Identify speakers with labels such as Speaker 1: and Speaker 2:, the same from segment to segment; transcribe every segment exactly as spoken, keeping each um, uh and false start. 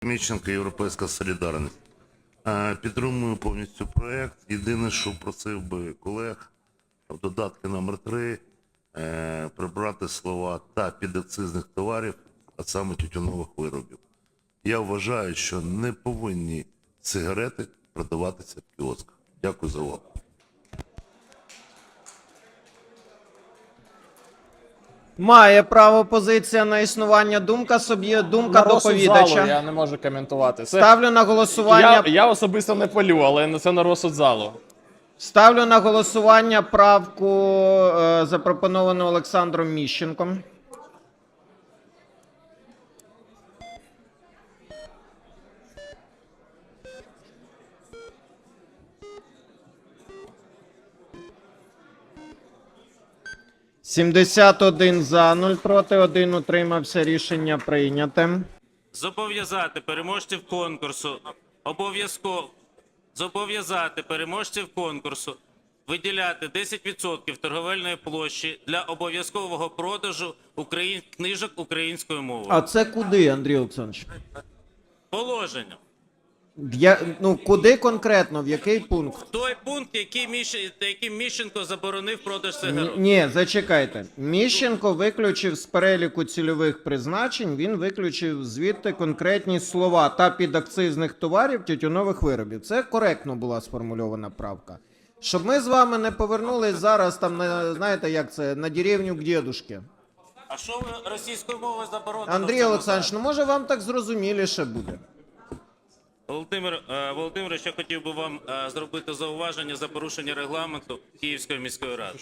Speaker 1: Міщенко, Європейська солідарність. Підтримую повністю проєкт. Єдине, що просив би колег в додатку номер три прибрати слова «та підакцизних товарів», а саме тютюнових виробів. Я вважаю, що не повинні сигарети продаватися в кіосках. Дякую за увагу.
Speaker 2: Має право позиція на існування. Думка собі, думка
Speaker 3: На розсуд
Speaker 2: доповідача.
Speaker 3: залу я не можу коментувати. Це...
Speaker 2: Ставлю на голосування.
Speaker 3: Я, я особисто не палю, але це на розсуд залу.
Speaker 2: Ставлю на голосування правку, е, запропоновану Олександром Міщенком. сімдесят один за, нуль проти, один утримався. Рішення прийняте.
Speaker 4: Зобов'язати переможців конкурсу обов'язково зобов'язати переможців конкурсу виділяти десять відсотків торговельної площі для обов'язкового продажу україн... книжок українською мовою.
Speaker 2: А це куди, Андрій Олександрович?
Speaker 4: Положення.
Speaker 2: Я, ну, куди конкретно, в який пункт?
Speaker 4: Той пункт, який Міщ... яким Міщенко заборонив продаж сигарет.
Speaker 2: Ні, зачекайте. Міщенко виключив з переліку цільових призначень, він виключив звідти конкретні слова «та підакцизних товарів тютюнових виробів». Це коректно була сформульована правка. Щоб ми з вами не повернулись зараз там, на, знаєте, як це, на деревню к дедушке.
Speaker 4: А що ви російською мовою заборонено?
Speaker 2: Андрій Олександрович, ну може вам так зрозуміліше буде?
Speaker 4: Володимир е, Володимирович, я хотів би вам е, зробити зауваження за порушення регламенту Київської міської ради.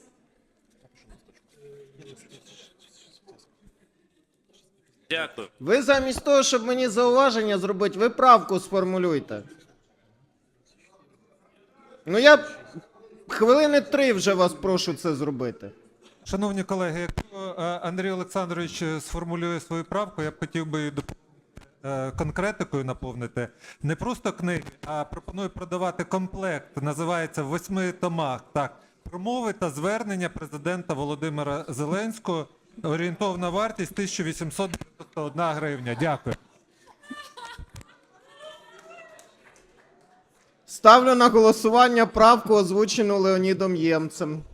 Speaker 4: Дякую.
Speaker 2: Ви замість того, щоб мені зауваження зробити, ви правку сформулюйте. Ну я хвилини три вже вас прошу це зробити.
Speaker 5: Шановні колеги, якщо е, Андрій Олександрович сформулює свою правку, я б хотів би доповнити, е, конкретикою наповнити. Не просто книги, а пропоную продавати комплект, називається «В восьми томах». Так, промови та звернення президента Володимира Зеленського. Орієнтовна вартість тисяча вісімсот дев'яносто одна гривня. Дякую.
Speaker 2: Ставлю на голосування правку, озвучену Леонідом Ємцем.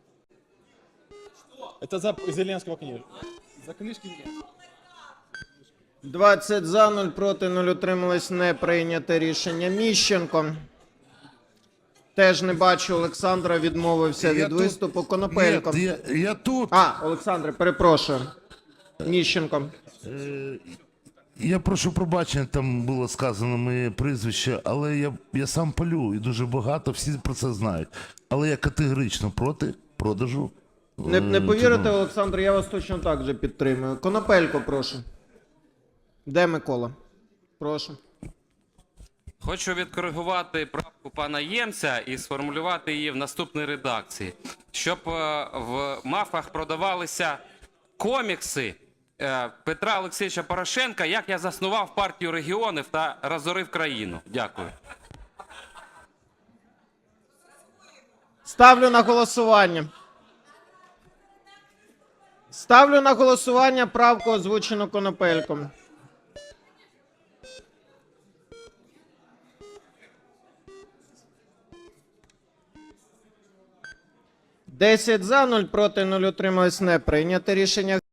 Speaker 3: Це за Зеленського книжку. За книжки Зеленського.
Speaker 2: двадцять за, нуль проти, нуль утримались, не прийняте рішення. Міщенко. Теж не бачу, Олександра відмовився
Speaker 1: Я
Speaker 2: від
Speaker 1: тут.
Speaker 2: виступу. Конопелько.
Speaker 1: Ні, я, я тут.
Speaker 2: А, Олександре, перепрошую. Міщенко.
Speaker 1: Е, Я прошу пробачення, там було сказано моє прізвище, але я, я сам палю і дуже багато, всі про це знають. Але я категорично проти продажу.
Speaker 2: Не, не повірите, Олександр, я вас точно так же підтримую. Конопелько, прошу. Де Микола? Прошу.
Speaker 6: Хочу відкоригувати правку пана Ємця і сформулювати її в наступній редакції. Щоб е, в мафах продавалися комікси е, Петра Олексійовича Порошенка, як я заснував партію регіонів та розорив країну. Дякую.
Speaker 2: Ставлю на голосування. Ставлю на голосування правку, озвучену Конопельком. десять за, нуль проти, нуль утримались, не прийняте рішення.